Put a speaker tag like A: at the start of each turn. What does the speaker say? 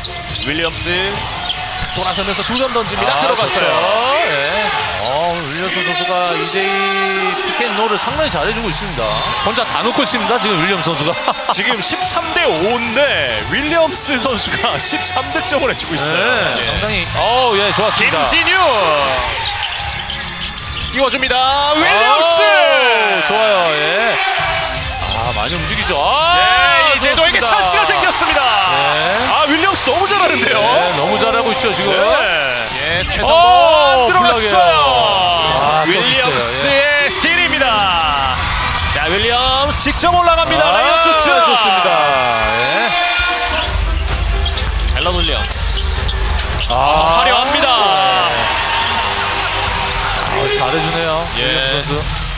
A: 윌리엄스 돌아서면서 두 점 던집니다. 들어갔어요.
B: 그렇죠. 예. 윌리엄스 선수가 2대2 피켓롤을 상당히 잘해주고 있습니다. 혼자 다 놓고 있습니다. 지금 윌리엄스 선수가.
A: 지금 13대 5인데 윌리엄스 선수가 13득점을 해주고 있어요.
B: 네, 상당히 예, 좋았습니다.
A: 김진유 띄워줍니다. 윌리엄스
B: 좋아요. 예. 많이 움직이죠.
A: 네, 이제도에게
B: 좋습니다.
A: 찬스가 생겼습니다.
B: 네.
A: 윌리엄스 너무 잘하는데요.
B: 네, 너무 잘하고 있죠 지금.
A: 예, 최성범 들어갔어요.
B: 굴러게요.
A: 윌리엄스의 스틸입니다. 자, 윌리엄스 직접 올라갑니다. 라이언 투츠
B: 좋습니다. 예.
A: 앨런 윌리엄스 화려합니다.
B: 잘해주네요.
A: 예.
B: 윌리엄스 선수.